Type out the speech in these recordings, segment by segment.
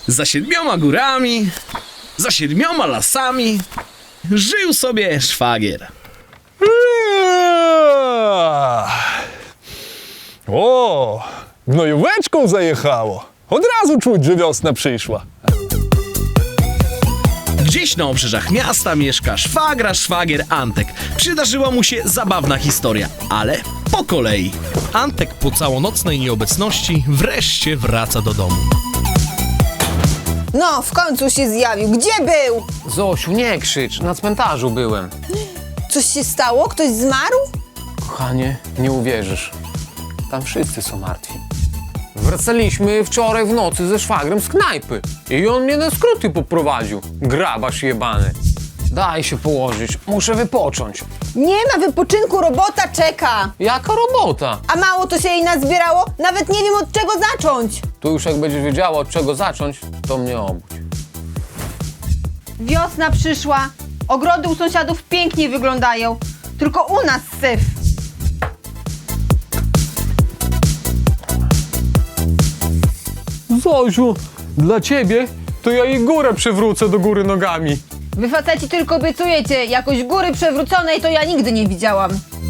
Za 7 górami, za 7 lasami żył sobie szwagier. O, gnojóweczką zajechało. Od razu czuć, że wiosna przyszła. Gdzieś na obrzeżach miasta mieszka szwagier Antek. Przydarzyła mu się zabawna historia, ale po kolei. Antek po całonocnej nieobecności wreszcie wraca do domu. No, w końcu się zjawił. Gdzie był? Zosiu, nie krzycz, na cmentarzu byłem. Coś się stało? Ktoś zmarł? Kochanie, nie uwierzysz. Tam wszyscy są martwi. Wracaliśmy wczoraj w nocy ze szwagrem z knajpy i on mnie na skróty poprowadził. Grabarz jebany. Daj się położyć, muszę wypocząć. Nie ma wypoczynku, robota czeka. Jaka robota? A mało to się jej nazbierało? Nawet nie wiem, od czego zacząć. Tu już jak będziesz wiedziała, od czego zacząć, to mnie obudź. Wiosna przyszła. Ogrody u sąsiadów pięknie wyglądają. Tylko u nas syf. Zosiu, dla ciebie to ja jej górę przywrócę do góry nogami. Wy faceci tylko obiecujecie. Jakoś góry przewróconej to ja nigdy nie widziałam.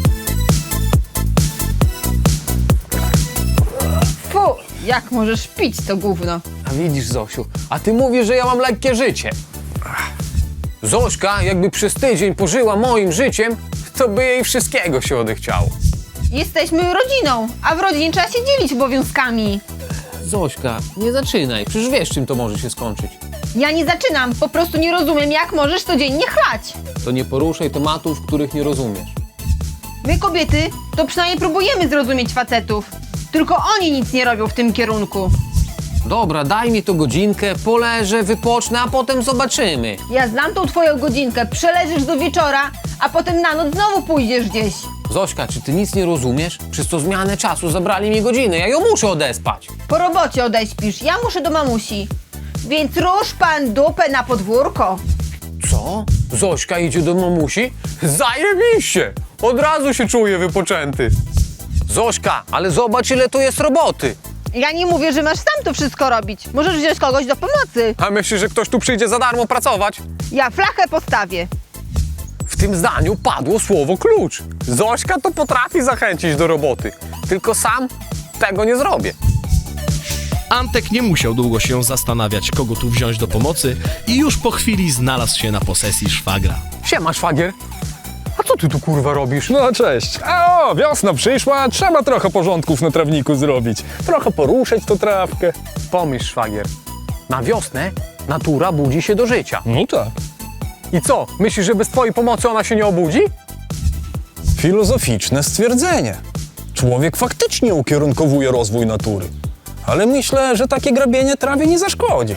Fu, jak możesz pić to gówno? A widzisz, Zosiu, a ty mówisz, że ja mam lekkie życie. Zośka, jakby przez tydzień pożyła moim życiem, to by jej wszystkiego się odechciało. Jesteśmy rodziną, a w rodzinie trzeba się dzielić obowiązkami. Zośka, nie zaczynaj, przecież wiesz, czym to może się skończyć. Ja nie zaczynam, po prostu nie rozumiem, jak możesz codziennie chlać. To nie poruszaj tematów, których nie rozumiesz. My kobiety to przynajmniej próbujemy zrozumieć facetów. Tylko oni nic nie robią w tym kierunku. Dobra, daj mi to godzinkę, poleżę, wypocznę, a potem zobaczymy. Ja znam tą twoją godzinkę, przeleżysz do wieczora, a potem na noc znowu pójdziesz gdzieś. Zośka, czy ty nic nie rozumiesz? Przez to zmianę czasu zabrali mi godzinę, ja ją muszę odespać. Po robocie odeśpisz, ja muszę do mamusi. Więc rusz pan dupę na podwórko. Co? Zośka idzie do mamusi? Zajebiście! Od razu się czuję wypoczęty. Zośka, ale zobacz, ile tu jest roboty. Ja nie mówię, że masz sam to wszystko robić. Możesz wziąć kogoś do pomocy. A myślisz, że ktoś tu przyjdzie za darmo pracować? Ja flachę postawię. W tym zdaniu padło słowo klucz. Zośka to potrafi zachęcić do roboty. Tylko sam tego nie zrobię. Antek nie musiał długo się zastanawiać, kogo tu wziąć do pomocy i już po chwili znalazł się na posesji szwagra. Siema, szwagier. A co ty tu kurwa robisz? No cześć. A o, wiosna przyszła, trzeba trochę porządków na trawniku zrobić. Trochę poruszyć tą trawkę. Pomyśl, szwagier. Na wiosnę natura budzi się do życia. No tak. I co? Myślisz, że bez twojej pomocy ona się nie obudzi? Filozoficzne stwierdzenie. Człowiek faktycznie ukierunkowuje rozwój natury. Ale myślę, że takie grabienie trawie nie zaszkodzi.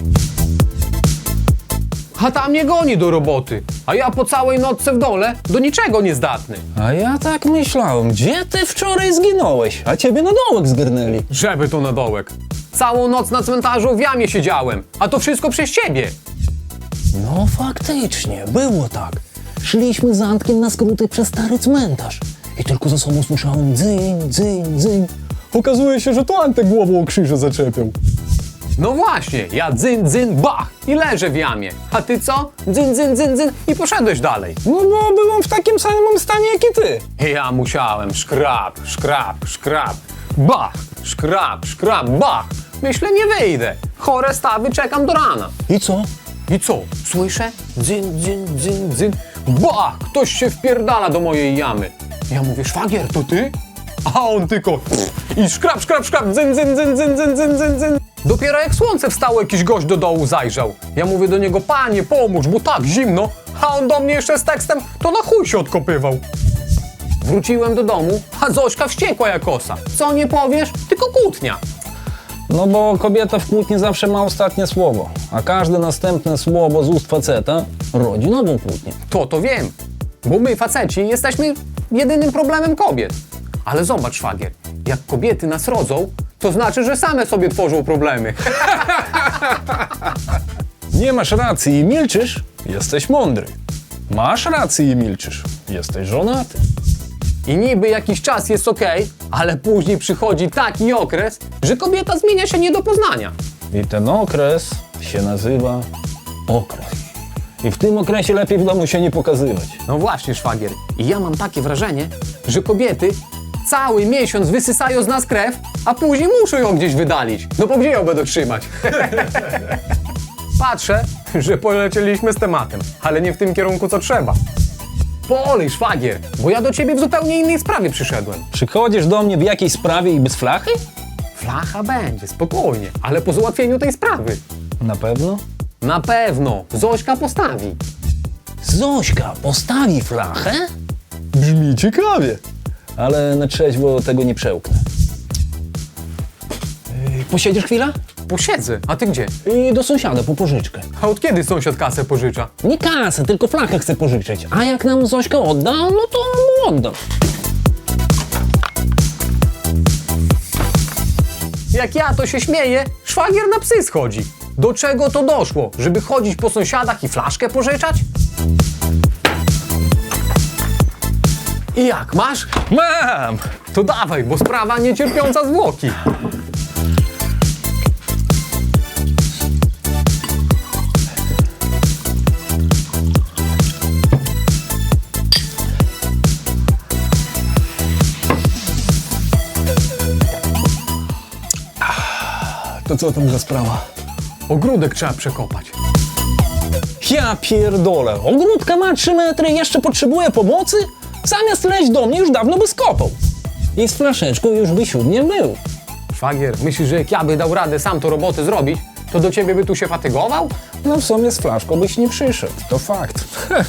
A tam mnie goni do roboty. A ja po całej nocce w dole do niczego nie zdatny. A ja tak myślałem, gdzie ty wczoraj zginąłeś? A ciebie na dołek zgarnęli. Żeby to na dołek. Całą noc na cmentarzu w jamie siedziałem. A to wszystko przez ciebie. No faktycznie, było tak. Szliśmy z Antkiem na skróty przez stary cmentarz. I tylko za sobą słyszałem dzyń, dzyń, dzyń. Okazuje się, że to Antek głową o krzyże zaczepiał. No właśnie, ja dzyn, dzyn, bach i leżę w jamie. A ty co? Dzyn, dzyn, dzyn, dzyn i poszedłeś dalej. No bo byłem w takim samym stanie jak i ty. Ja musiałem szkrap, szkrap, szkrap, bach, szkrap, szkrap, bach. Myślę, nie wyjdę. Chore stawy, czekam do rana. I co? I co? Słyszę? Dzyn, dzyn, dzyn, dzyn. Bach! Ktoś się wpierdala do mojej jamy. Ja mówię, szwagier, to ty? A on tylko i szkrap, szkrap, szkrap, dzyn, dzyn, dzyn, dzyn, dzyn, dzyn, dzyn, dzyn. Dopiero jak słońce wstało, jakiś gość do dołu zajrzał. Ja mówię do niego, panie, pomóż, bo tak zimno. A on do mnie jeszcze z tekstem, to na chuj się odkopywał. Wróciłem do domu, a Zośka wściekła jak osa. Co nie powiesz? Tylko kłótnia. No bo kobieta w kłótni zawsze ma ostatnie słowo, a każde następne słowo z ust faceta rodzi nową kłótnię. To wiem, bo my, faceci, jesteśmy jedynym problemem kobiet. Ale zobacz, szwagier, jak kobiety nas rodzą, to znaczy, że same sobie tworzą problemy. Nie masz racji i milczysz, jesteś mądry. Masz rację i milczysz, jesteś żonaty. I niby jakiś czas jest okej, ale później przychodzi taki okres, że kobieta zmienia się nie do poznania. I ten okres się nazywa okres. I w tym okresie lepiej w domu się nie pokazywać. No właśnie, szwagier. I ja mam takie wrażenie, że kobiety cały miesiąc wysysają z nas krew, a później muszą ją gdzieś wydalić. No bo gdzie ją będą trzymać? Patrzę, że polecieliśmy z tematem, ale nie w tym kierunku, co trzeba. Polej, szwagier, bo ja do ciebie w zupełnie innej sprawie przyszedłem. Przychodzisz do mnie w jakiejś sprawie i bez flachy? Flacha będzie, spokojnie, ale po załatwieniu tej sprawy. Na pewno? Na pewno, Zośka postawi. Zośka postawi flachę? Brzmi ciekawie. Ale na trzeźwo tego nie przełknę. Posiedzisz chwilę? Posiedzę, a ty gdzie? I do sąsiada po pożyczkę. A od kiedy sąsiad kasę pożycza? Nie kasę, tylko flachę chcę pożyczyć. A jak nam Zośka odda, no to mu oddam. Jak ja to się śmieję, szwagier na psy schodzi. Do czego to doszło? Żeby chodzić po sąsiadach i flaszkę pożyczać? I jak, masz? Mam! To dawaj, bo sprawa niecierpiąca zwłoki. To co tam za sprawa? Ogródek trzeba przekopać. Ja pierdolę, ogródka ma 3 metry i jeszcze potrzebuje pomocy? Zamiast leźć do mnie już dawno by skopał. I z flaszeczką już by siódmie był. Szwagier, myślisz, że jak ja by dał radę sam to roboty zrobić, to do ciebie by tu się fatygował? No w sumie z flaszką byś nie przyszedł, to fakt.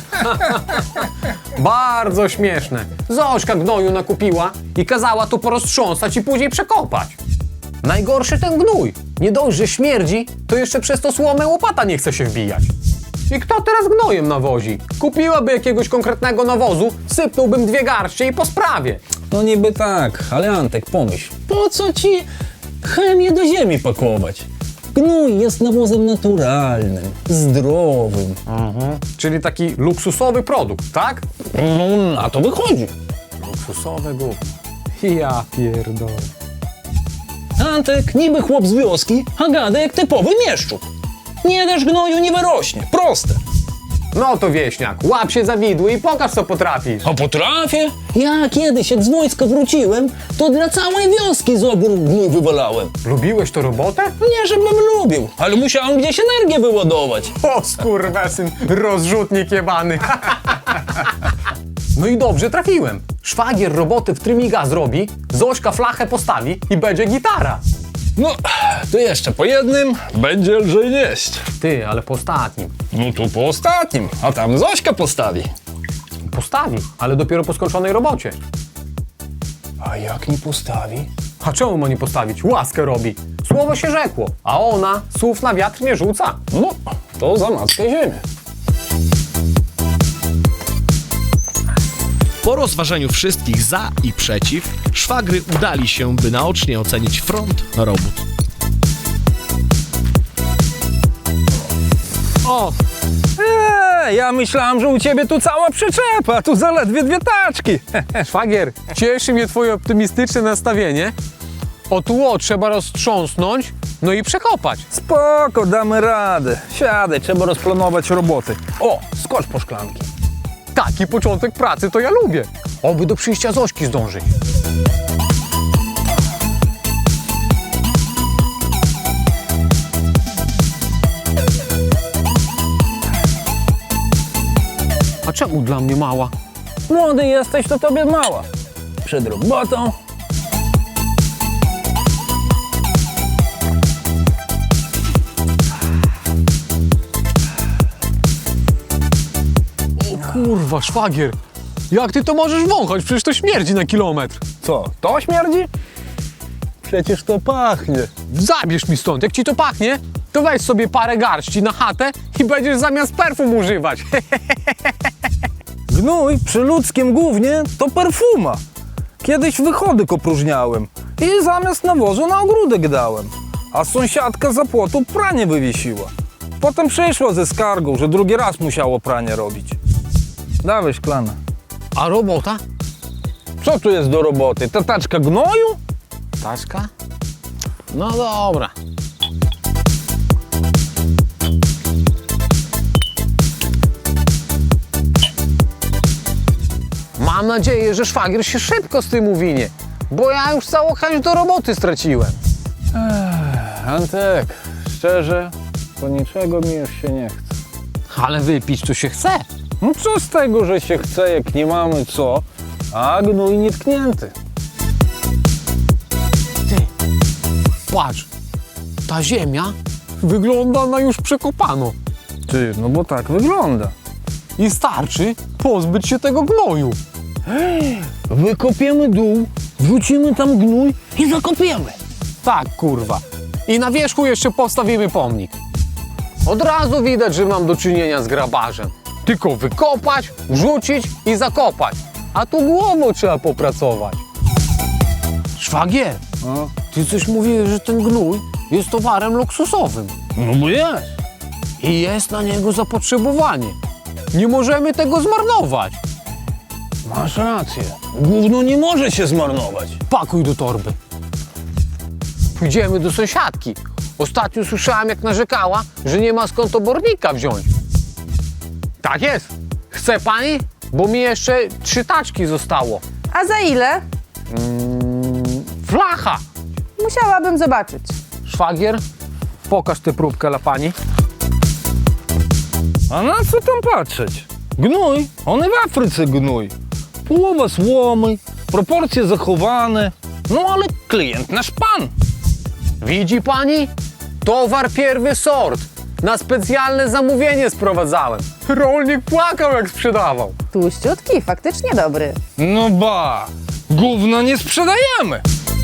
Bardzo śmieszne. Zośka gnoju nakupiła i kazała to poroztrząsać i później przekopać. Najgorszy ten gnój. Nie dość, że śmierdzi, to jeszcze przez to słomę łopata nie chce się wbijać. I kto teraz gnojem nawozi? Kupiłaby jakiegoś konkretnego nawozu, sypnąłbym 2 garście i po sprawie. No niby tak, ale Antek, pomyśl, po co ci chemię do ziemi pakować? Gnój jest nawozem naturalnym, zdrowym. Czyli taki luksusowy produkt, tak? No na to wychodzi. Luksusowe gówno. Ja pierdolę. Antek niby chłop z wioski, a gada jak typowy mieszczuk. Nie dasz gnoju, nie wyrośnie. Proste. No to wieśniak, łap się za widły i pokaż, co potrafisz. A potrafię? Ja kiedyś, jak z wojska wróciłem, to dla całej wioski z ogród gnój wywalałem. Lubiłeś to robotę? Nie, żebym lubił, ale musiałem gdzieś energię wyładować. O skurwesyn, rozrzutnik jebany. No i dobrze trafiłem. Szwagier roboty w trymiga zrobi, Zośka flachę postawi i będzie gitara. No, to jeszcze po jednym będzie lżej nieść. Ty, ale po ostatnim. No tu po ostatnim, a tam Zośka postawi. Postawi, ale dopiero po skończonej robocie. A jak nie postawi? A czemu ma nie postawić? Łaskę robi. Słowo się rzekło, a ona słów na wiatr nie rzuca. No, to za matkę ziemię. Po rozważeniu wszystkich za i przeciw, szwagry udali się, by naocznie ocenić front robót. O! Ja myślałem, że u ciebie tu cała przyczepa, a tu zaledwie 2 taczki. Szwagier, cieszy mnie twoje optymistyczne nastawienie. O tło trzeba roztrząsnąć, no i przekopać. Spoko, damy radę. Siadaj, trzeba rozplanować roboty. O, skocz po szklanki. Taki początek pracy to ja lubię. Oby do przyjścia Zośki zdążyć. A czemu dla mnie mała? Młody jesteś, to tobie mała. Przed robotą. Kurwa, szwagier. Jak ty to możesz wąchać? Przecież to śmierdzi na kilometr. Co, to śmierdzi? Przecież to pachnie. Zabierz mi stąd. Jak ci to pachnie, to weź sobie parę garści na chatę i będziesz zamiast perfum używać. Gnój przy ludzkim gównie to perfuma. Kiedyś wychodek opróżniałem i zamiast nawozu na ogródek dałem. A sąsiadka za płotu pranie wywiesiła. Potem przyszła ze skargą, że drugi raz musiało pranie robić. Dawaj szklana. A robota? Co tu jest do roboty? Ta taczka gnoju? Taczka? No dobra. nadzieję, że szwagier się szybko z tym uwinie, bo ja już całą chęć do roboty straciłem. Antek, szczerze, to niczego mi już się nie chce. Ale wypić to się chce. No co z tego, że się chce, jak nie mamy co, a gnój nietknięty. Patrz, ta ziemia wygląda na już przekopaną Ty, no bo tak wygląda. i starczy pozbyć się tego gnoju. Wykopiemy dół, wrzucimy tam gnój i zakopiemy. Tak, kurwa. I na wierzchu jeszcze postawimy pomnik. Od razu widać, że mam do czynienia z grabarzem. Tylko wykopać, wrzucić i zakopać. A tu głową trzeba popracować. Szwagier, No, ty coś mówiłeś, że ten gnój jest towarem luksusowym. no bo jest. I jest na niego zapotrzebowanie. Nie możemy tego zmarnować. Masz rację. Gówno nie może się zmarnować. Pakuj do torby. Pójdziemy do sąsiadki. Ostatnio słyszałam, jak narzekała, że nie ma skąd obornika wziąć. Tak jest. Chce pani? Bo mi jeszcze 3 taczki zostało. A za ile? Flacha! Musiałabym zobaczyć. Szwagier, pokaż tę próbkę dla pani. A na co tam patrzeć? Gnój, on i w Afryce gnój. Połowa słomy, proporcje zachowane. No ale klient nasz pan. Widzi pani? Towar pierwszy sort. Na specjalne zamówienie sprowadzałem. Rolnik płakał, jak sprzedawał. Tłuściutki, faktycznie dobry. No ba, gówna nie sprzedajemy.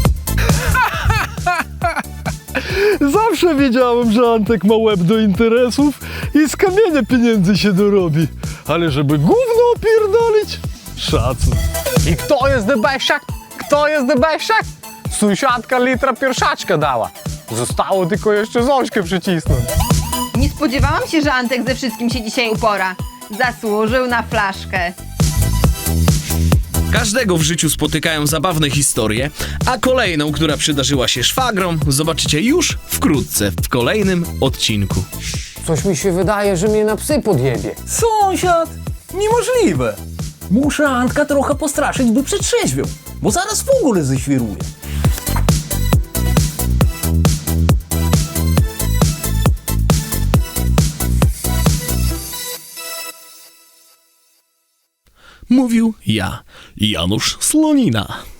Zawsze wiedziałem, że Antek ma łeb do interesów i z kamienia pieniędzy się dorobi. Ale żeby gówno opierdolić? Szacun. I kto jest debesiak? Kto jest debesiak? Sąsiadka litra pierwszaczka dała. Zostało tylko jeszcze Zośkę przycisnąć. Nie spodziewałam się, że Antek ze wszystkim się dzisiaj upora. Zasłużył na flaszkę. Każdego w życiu spotykają zabawne historie, a kolejną, która przydarzyła się szwagrom, zobaczycie już wkrótce w kolejnym odcinku. Coś mi się wydaje, że mnie na psy podjebie. Sąsiad, niemożliwe. Muszę Antka trochę postraszyć, by przetrzeźwiał, bo zaraz w ogóle zeświruje. Mówił ja, Janusz Slonina.